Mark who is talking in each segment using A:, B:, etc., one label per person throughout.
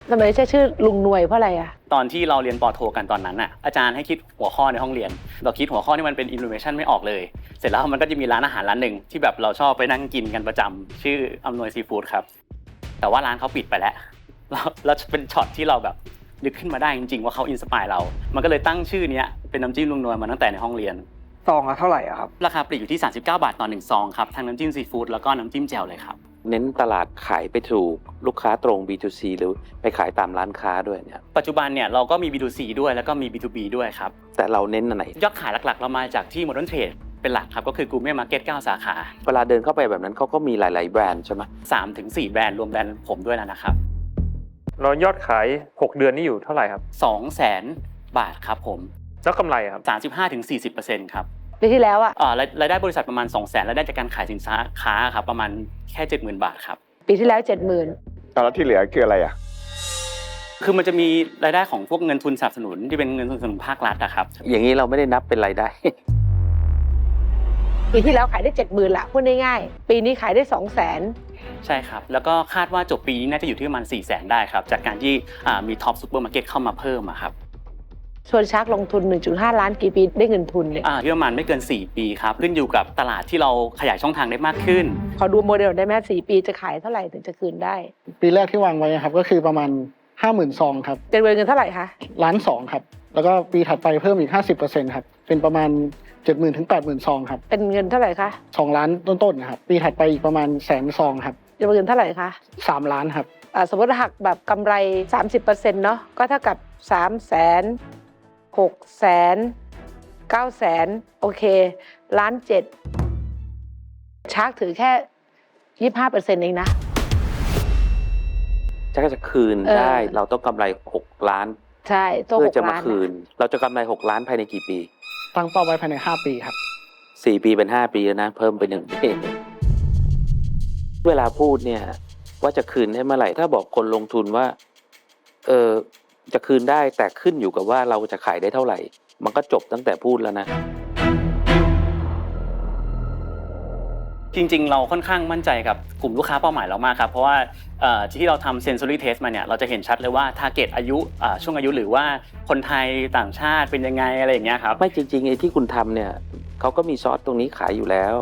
A: ทำไมใช้ชื่อลุงหน่วยเพราะอะไรอ่ะ
B: ตอนที่เราเรียนป.โทกันตอนนั้นน่ะอาจารย์ให้คิดหัวข้อในห้องเรียนเราคิดหัวข้อที่มันเป็น innovation ไม่ออกเลยเสร็จแล้วมันก็จะมีร้านอาหารร้านหนึ่งที่แบบเราชอบไปนั่งกินกันประจำชื่ออำนวยซีฟู้ดครับแต่ว่าร้านเขาปิดไปแล้วแล้วเป็นช็อตที่เราแบบนึกขึ้นมาได้จริงๆว่าเขาอินสปายเรามันก็เลยตั้งชื่อนี้เป็นน้ำจิ้มลุงนวลมาตั้งแต่ในห้องเรียน
C: ซองละเท่าไหร่ครับ
B: ราคาปลีกอยู่ที่39 บาทต่อ1ซองครับทั้งน้ำจิ้มซีฟู้ดแล้วก็น้ำจิ้มแจ่วเลยครับ
D: เน้นตลาดขายไปถูกลูกค้าตรง B2C หรือไปขายตามร้านค้าด้วยเนี่ย
B: ปัจจุบันเนี่ยเราก็มี B2C ด้วยแล้วก็มี B2B ด้วยครับ
D: แต่เราเน้นอันไหน
B: ยอดขายหลักๆเรามาจากที่ Modern Trade เป็นหลักครับก็คือ Gourmet Market 9 สาขา
D: เวลาเดินเข้าไปแบบนั้นเขาก็มีหลายๆแบรนด์ใช่ไหม
B: 3-4 แบรนด์รวมแบรนด์ผมด้วยแล้วนะครับ
E: เรายอดขาย6เดือนนี่อยู่เท่าไหร่ครับ
B: 200,000 บาทครับผม
E: แล้วกำไรครับ
B: 35-40% ครับ
A: ปีที่แล้วอ่ะ
B: รายได้บริษัทประมาณ 200,000รายได้จากการขายสินค้าครับประมาณแค่ 70,000 บาทครับ
A: ปีที่แล้ว 70,000
F: แล้วที่เหลือคืออะไรอ่ะ
B: คือมันจะมีรายได้ของพวกเงินทุนสนับสนุนที่เป็นเงินทุนสนับสนุนภาครัฐอะครับ
D: อย่างนี้เราไม่ได้นับเป็นรายได้
A: ปีที่แล้วขายได้ 70,000ละพูดง่ายๆปีนี้ขายได้ 200,000
B: ใช่ครับแล้วก็คาดว่าจบปีนี้น่าจะอยู่ที่ประมาณ 400,000 ได้ครับจากการที่มีท็อปซูเปอร์มาร์เก็ตเข้ามาเพิ่มอะครับ
A: ชวนชักลงทุน 1.5 ล้านกี่ปีได้เงินทุนเนี่ย
B: ที่ประมาณไม่เกิน4ปีครับขึ้นอยู่กับตลาดที่เราขยายช่องทางได้มากขึ้น
A: ขอดูโมเดลได้ไหม4ปีจะขายเท่าไหร่ถึงจะคืนได้
G: ปีแรกที่วางไว้ครับก็คือประมาณ 50,000 ซองครับ
A: เป็นเงินเท่าไหร่คะ
G: 1.2 ล้านครับแล้วก็ปีถัดไปเพิ่มอีก 50% ครับเป็นประมาณ 70,000 ถึง 80,000 ซองครับ
A: เป็นเงินเท่าไหร่คะ
G: 2 ล้านต้นๆนะครับปีถัดไปอีกประมาณ100,000 ซองครับ
A: เป็นเงินเท่าไหร่คะ
G: 3 ล้านครับ
A: สมมติหักแบบกำไร 30% เนาะก็เท่ากับ 300,000 600,000 900,000โอเค1.7 ล้านชาร์กถือแค่ 25% เองนะ
D: จะคืนได้เราต้องกำไร6 ล้าน
A: ใช่
D: เพื่อจะมาคืนเราจะกำไร6 ล้านภายในกี่ปี
G: ตั้งเป้าไว้ภายใน5 ปีครับ
D: 4 ปีเป็น5 ปีแล้วนะเพิ่มไป1 ปีเวลาพูดเนี่ยว่าจะคืนได้เมื่อไหร่ถ้าบอกคนลงทุนว่าจะคืนได้แต่ขึ้นอยู่กับว่าเราจะขายได้เท่าไหร่มันก็จบตั้งแต่พูดแล้วนะ
B: จริงๆเราค่อนข้างมั่นใจกับกลุ่มลูกค้าเป้าหมายเรามากครับเพราะว่าที่เราทำ sensory test มาเนี่ยเราจะเห็นชัดเลยว่า target อายุช่วงอายุหรือว่าคนไทยต่างชาติเป็นยังไงอะไรอย่างเงี้ยครับ
D: ไม่จริงๆไอ้ที่คุณทำเนี่ยเขาก็มีซอสตรงนี้ขายอยู่แล้ว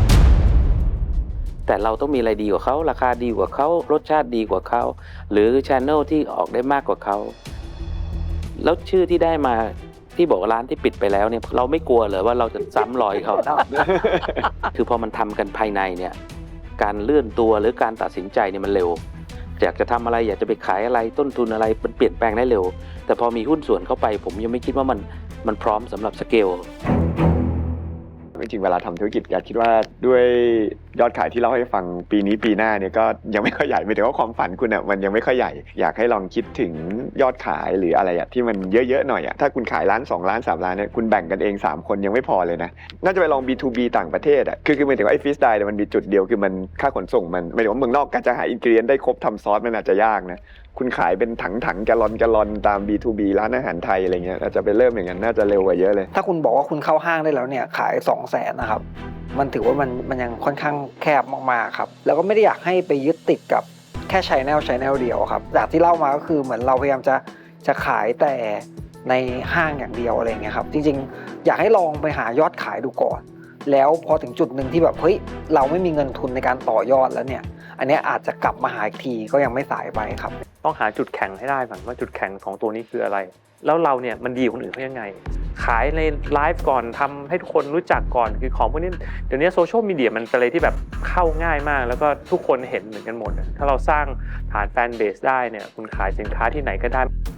D: แต่เราต้องมีอะไรดีกว่าเขาราคาดีกว่าเขารสชาติดีกว่าเขาหรือ channel ที่ออกได้มากกว่าเขาแล้วชื่อที่ได้มาที่บอกร้านที่ปิดไปแล้วเนี่ยเราไม่กลัวเลยว่าเราจะซ้ำรอยเขา คือพอมันทำกันภายในเนี่ยการเลื่อนตัวหรือการตัดสินใจเนี่ยมันเร็วอยากจะทำอะไรอยากจะไปขายอะไรต้นทุนอะไรมันเปลี่ยนแปลงได้เร็วแต่พอมีหุ้นส่วนเข้าไปผมยังไม่คิดว่ามันพร้อมสำหรับสเกล
F: จริงๆเวลาทำธุรกิจอยากคิดว่าด้วยยอดขายที่เล่าให้ฟังปีนี้ปีหน้าเนี่ยก็ยังไม่ค่อยใหญ่ไม่ถึงว่าความฝันคุณอ่ะมันยังไม่ค่อยใหญ่อยากให้ลองคิดถึงยอดขายหรืออะไรที่มันเยอะๆหน่อยถ้าคุณขาย1 ล้าน 2 ล้าน 3 ล้านเนี่ยคุณแบ่งกันเอง3 คนยังไม่พอเลยนะน่าจะไปลอง B2B ต่างประเทศคือหมายถึงว่าไอ้ฟิสไดเนี่ยมันมีจุดเดียวคือมันค่าขนส่งมันหมายถึงว่าเมืองนอกการจะหาอินกรีเดียนได้ครบทำซอสมันอาจจะยากนะคุณขายเป็นถังแกลลอนตาม B2B ร้านอาหารไทยอะไรเงี้ยอาจจะไปเริ่มอย่างนั้นน่าจะเร็วกว่าเยอะเลย
C: ถ้าคุณบอกว่าคุณเข้าห้างได้แล้วเนี่ยขาย 200,000 นะครับมันถือว่ามันยังค่อนข้างแคบมากๆครับแล้วก็ไม่ได้อยากให้ไปยึดติดกับแค่channelเดียวครับจากที่เล่ามาก็คือเหมือนเราพยายามจะขายแต่ในห้างอย่างเดียวอะไรเงี้ยครับจริงๆอยากให้ลองไปหายอดขายดูก่อนแล้วพอถึงจุดหนึ่งที่แบบเฮ้ยเราไม่มีเงินทุนในการต่อยอดแล้วเนี่ยอันนี้อาจจะกลับมาหาอีกทีก็ยังไม่สายไปครับ
E: ต้องหาจุดแข็งให้ได้ก่อนว่าจุดแข็งของตัวนี้คืออะไรแล้วเราเนี่ยมันดีกว่าคนอื่นเขายังไงขายในไลฟ์ก่อนทำให้ทุกคนรู้จักก่อนคือของพวกนี้เดี๋ยวนี้โซเชียลมีเดียมันเป็นอะไรที่แบบเข้าง่ายมากแล้วก็ทุกคนเห็นเหมือนกันหมดถ้าเราสร้างฐานแฟนเบสได้เนี่ยคุณขายสินค้าที่ไหนก็ได้